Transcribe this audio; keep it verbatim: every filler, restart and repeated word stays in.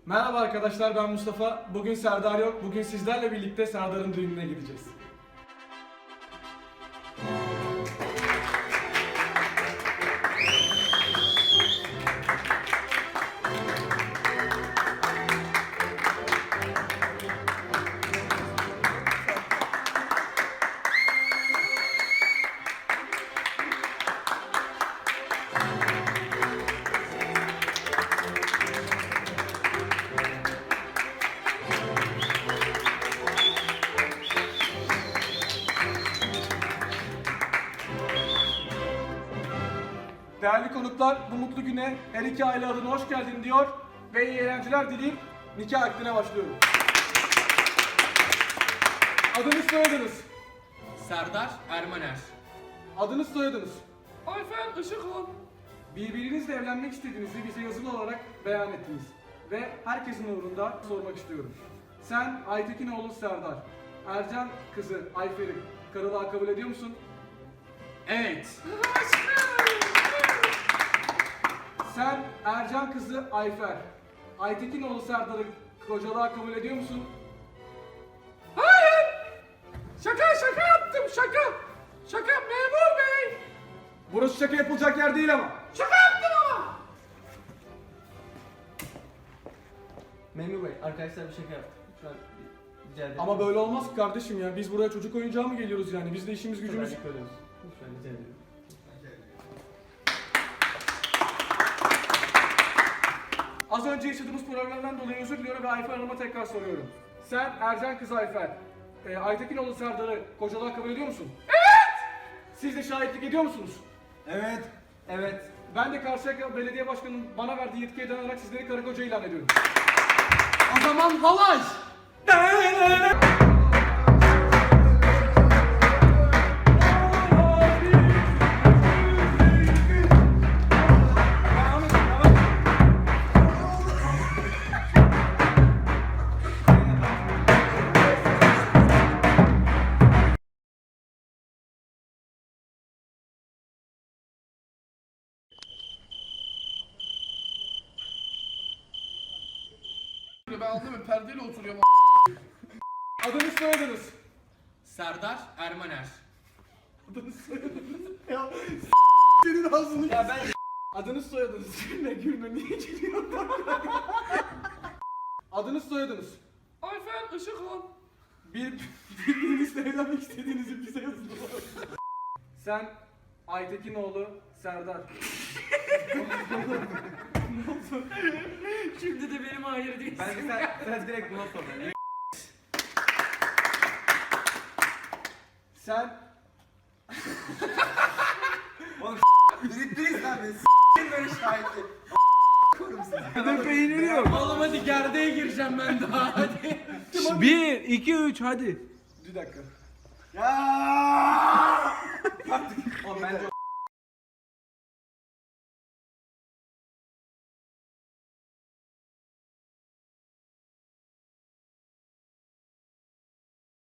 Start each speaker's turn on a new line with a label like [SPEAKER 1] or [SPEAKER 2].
[SPEAKER 1] Merhaba arkadaşlar, ben Mustafa. Bugün Serdar yok. Bugün sizlerle birlikte Serdar'ın düğününe gideceğiz. Değerli konuklar, bu mutlu güne her iki aile adına hoş geldin diyor ve iyi eğlenceler dileyip nikah akdine başlıyorum. Adınız soyadınız.
[SPEAKER 2] Serdar Ermaner.
[SPEAKER 1] Adınız soyadınız.
[SPEAKER 2] Ayfer Işıkhan.
[SPEAKER 1] Birbirinizle evlenmek istediğinizi bize yazılı olarak beyan ettiniz. Ve herkesin uğrunda sormak istiyorum. Sen Aytekinoğlu Serdar, Ercan kızı Ayfer'i karılığa kabul ediyor musun?
[SPEAKER 2] Evet.
[SPEAKER 1] Sen Ercan kızı Ayfer, Aytekinoğlu Serdar'ı kocalığa kabul ediyor musun?
[SPEAKER 2] Hayır. Şaka şaka yaptım şaka. Şaka memur bey.
[SPEAKER 1] Burası şaka yapılacak yer değil ama.
[SPEAKER 2] Şaka yaptım ama.
[SPEAKER 3] Memur Bey, arkadaşlar bir şaka yaptık. Lütfen bir- rica ederim.
[SPEAKER 1] Ama böyle olmaz ki kardeşim ya. Biz buraya çocuk oyuncağı mı geliyoruz yani? Biz de işimiz gücümüz...
[SPEAKER 3] Gücümüz görüyoruz. Lütfen rica ederim.
[SPEAKER 1] Az önce yaşadığımız problemden dolayı özür diliyorum ve Ayfer Hanım'a tekrar soruyorum. Sen Ercan kızı Ayfer, e, Aytekinoğlu Serdar'ı kocalığa kabul ediyor musun? Evet! Siz de şahitlik ediyor musunuz?
[SPEAKER 3] Evet. Evet.
[SPEAKER 1] Ben de Karşıyaka Belediye Başkanı'nın bana verdiği yetkiye dayanarak sizleri karı koca ilan ediyorum.
[SPEAKER 2] O zaman halay. Ben anlamıyorum, perdeyle oturuyorum.
[SPEAKER 1] Adınız soyadınız.
[SPEAKER 2] Serdar Ermaner.
[SPEAKER 1] Adınız soyadınız. Ya senin ağzını...
[SPEAKER 3] Ya ben
[SPEAKER 1] Adınız soyadınız. Gülme gülme, niye gülüyorsun? Adınız soyadınız.
[SPEAKER 2] Ayfer Işıkhan.
[SPEAKER 1] Bir, birbirinizle evlenmek istediğinizi bize yazın. Sen Aytekinoğlu Serdar.
[SPEAKER 2] Şimdi de benim hayır değil.
[SPEAKER 3] bence sen, sen direkt buna sor. Yani.
[SPEAKER 1] Sen
[SPEAKER 3] Biriktiriz abi. S***in böyle şahitli. Korum sizi.
[SPEAKER 1] de peyniri yok.
[SPEAKER 2] Oğlum hadi gerdeğe gireceğim ben daha hadi.
[SPEAKER 4] Bir, iki, üç hadi.
[SPEAKER 1] Bir dakika.
[SPEAKER 3] Ya! Oğlum bence